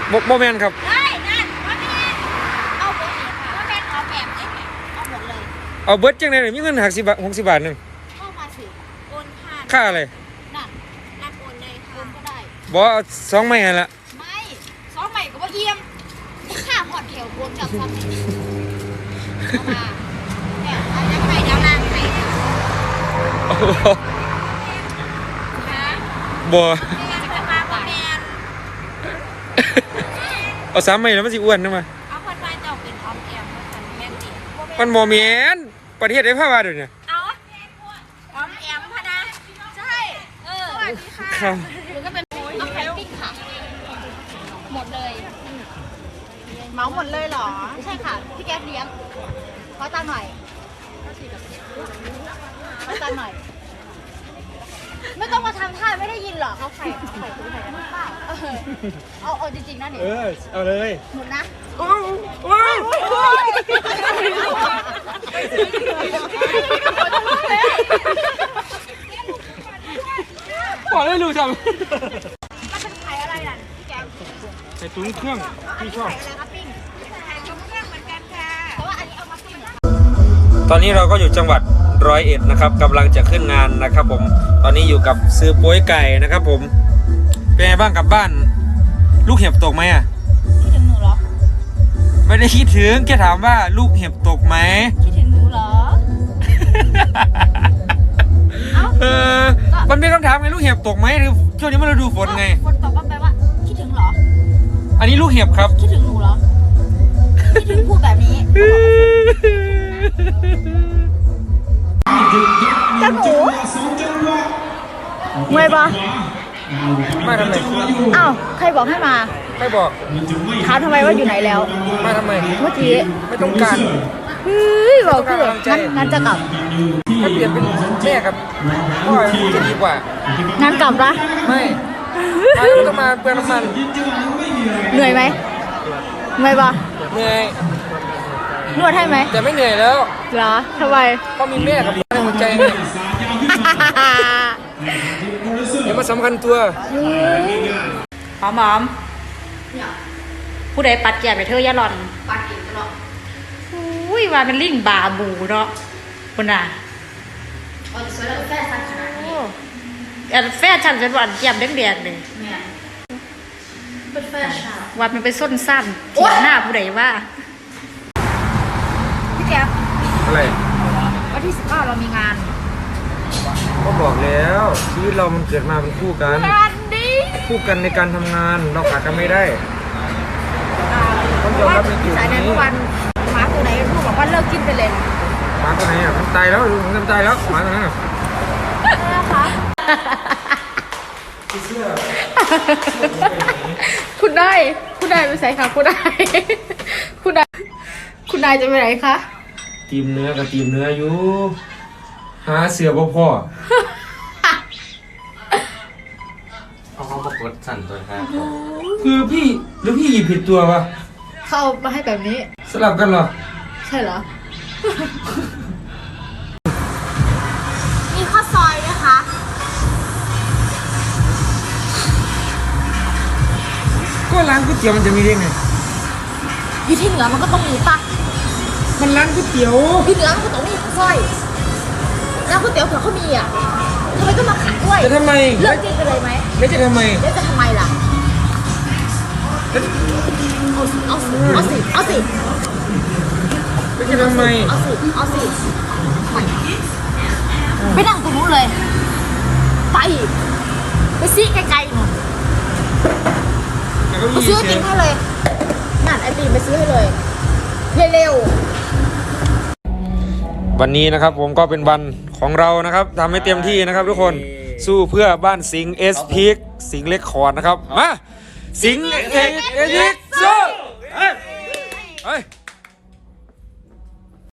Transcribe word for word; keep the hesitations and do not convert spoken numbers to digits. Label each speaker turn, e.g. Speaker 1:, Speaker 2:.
Speaker 1: โมโมเมนต์ครับ
Speaker 2: ได้นั่นว่าแม่เอาเบอร์นี้ค่ะว่าแม่เอาแบบนี้เอาหมดเลย
Speaker 1: เอาเบิร์ดจังเลยมีเงินหักสิบบาทหกสิบบาทหนึ่ง
Speaker 2: เข้ามาสิโอนผ่าน
Speaker 1: ค่าอะไร
Speaker 2: นั่นรับโอนเลยค่ะโอนก็ได้
Speaker 1: บอกเอาสองไม่ละ
Speaker 2: ไม่สองใหม่ก็ว่าเยี่ยมค่าหอดแถวโอนจากซ้ำเอามาเนี่ยเอาจะไปดาวล่างไปนะ
Speaker 1: บัว
Speaker 2: จะมาบ่แมน
Speaker 1: เอาสามไม่แล้วมันสิอ้วนนะมา
Speaker 2: เอาคนไปเจ้าเป็นออมแอมมันแม่นติ
Speaker 1: มันโมเมนประเทศได้ภาพว่าเดี๋ยวนี้
Speaker 2: เอาออมแอมพะนะใช่เออสวัสดีค่ะหรือก็เป็นเอาไข่ปิ้งค่ะหมดเลยเมาหมดเลยเหรอใช่ค่ะพี่แก๊ปเลี้ยงขอตังหน่อยขอตังหน่อยไม่ต้องมาทำท่าไม่ได้ยินหรอเขาไข่เขาไข่คุณไข่กันเปล่าเอาเอาจริงๆนะเนี่ย
Speaker 1: เออเอาเลย
Speaker 2: หมดนะ
Speaker 1: ขอได้รู้จัง
Speaker 2: มันเป็นไข่อะไรล่ะพี่แก๊ป
Speaker 1: ไข่ตุ๋นเครื่องที่ชอบ
Speaker 2: ไข่อะไรครับปิ้งไข่ตุ๋นเครื่องเหมือนกันค่ะเพราะว่าอันนี้เอามาปิ้ง
Speaker 1: ตอนนี้เราก็อยู่จังหวัดร้อยเอ็ดนะครับกำลังจะขึ้นงานนะครับผมตอนนี้อยู่กับซื้อโป้ยไก่นะครับผมเป็นไงบ้างกับบ้านลูกเห็บตกไหมอ่ะ
Speaker 2: คิดถึงหนูเหรอ
Speaker 1: ไม่ได้คิดถึงแค่ถามว่าลูกเห็บตกไหม
Speaker 2: คิดถึงหนูเหรอ
Speaker 1: เออมันเป็นคำถามไงลูกเห็บตกไหมหรือช่วงนี้มันฤดูฝนไง
Speaker 2: ฝนตกก็แปลว่าคิดถึงเหรอ
Speaker 1: อันนี้ลูกเห็บครับ
Speaker 2: คิดถึงหนูเหรอคิดถึงพูดแบบนี้เจ้าหนูเมื่อยปะ
Speaker 1: มาทำไม
Speaker 2: อ้าวใครบอกให้มา
Speaker 1: ไม่บอก
Speaker 2: ถามทำไมว่าอยู่ไหนแล้ว
Speaker 1: มาทำไม
Speaker 2: เมื่อกี้
Speaker 1: ไม่ต้องการ
Speaker 2: เฮ้ยบอกคืองั้นงั้นจะกลับ
Speaker 1: ถ้าเปลี่ยนเป็นแม่กับพ่อจะดีกว่า
Speaker 2: งั้นกลับปะ
Speaker 1: ไม่ไม่ต้องมาเปลืองน้ำมัน
Speaker 2: เหนื่อยไหมเมื่อยปะ
Speaker 1: เหนื่อย
Speaker 2: นวดให้ไหม
Speaker 1: แต่ไม่เหนื่อยแล้ว
Speaker 2: เหรอทำไม
Speaker 1: เพราะมีแม่กับพ่อในหัวใจไงเดี๋ยวมาสำคัญตัว
Speaker 2: หอมหอมผู้ใดปัดแก่ไปเธอย่าหล่อนปัดเก่งตลอดอุ้ยว่าเป็นลิงบาบูเนาะคุณน่ะอ๋อสวยแล้วแฟชั่นขนาดนี้อันแฟชั่นจนวันแก้มแดงๆเลยเป็นแฟชั่นว่ามันไปส้นสั้นถีบหน้าผู้ใดว่าพี่แก๊ป
Speaker 1: อะไร
Speaker 2: วันที่สิบเก้าเรามีงาน
Speaker 1: ก็บอกแล้วชีวิตเรามันเกิดมาเป็นคู่กัน
Speaker 2: งานดี
Speaker 1: คู่กันในการทำงานเราขาดกันไม่ได้ต้องยอมรับในจุดนี้
Speaker 2: เมื่อวันหมาตัวไหนพูดบอกว่าเลิกกินไปเลย
Speaker 1: หมาตัวไหนอ่ะมันตายแล้วมันตายแล้วหมาตัวนั้นอ่ะ
Speaker 2: นะคะคุณได้คุณได้ไปใส่ค่ะคุณได้คุณได้คุณนายจะไปไหนคะ
Speaker 1: ตีมเนื้อกับตีมเนื้ออยู่หาเสือพ่อพ่อ
Speaker 3: เอาเขาประกวดสั่นตัวครับ
Speaker 1: คือพี่หรือพี่หยิบผิดตัววะ
Speaker 2: เข้ามาให้แบบนี้
Speaker 1: สลับกันเหรอ
Speaker 2: ใช่เหรอมีข้าวซอยนะคะ
Speaker 1: ก็ร้านก๋วยเตี๋ยวมันจะมีได้ไง
Speaker 2: อยู่ที่เหนือมันก็ต้องมีปะ
Speaker 1: มันร้านก๋วยเตี๋ยว
Speaker 2: ที่เหนือมันก็ต้องมีข้าวซอยแล้วก๋วยเตี๋ยวเผื่อเขามีอ่ะทำไมต้องมาขายด้วย
Speaker 1: จะทำไม
Speaker 2: เลิกกินไปเลยไหม
Speaker 1: แล้วจะทำไม
Speaker 2: แล้วจะทำไมล่ะเอาสิเอาสิเอาสิ
Speaker 1: แล้วจะทำไม
Speaker 2: เอาสิเอาสิไปนั่งตรงนู้นเลยไปไปซีไกลๆหน่อยไปซื้อกินให้เลยนั่นไอติมไปซื้อให้เลยเร็ว
Speaker 1: วันนี้นะครับผมก็เป็นวันของเรานะครับทำให้เต็มที่นะครับทุกคนสู้เพื่อบ้านสิงห์เอสพีคสิงห์เล็กคอร์ดนะครับมาสิงห์เอสพีคสู้เฮ้ย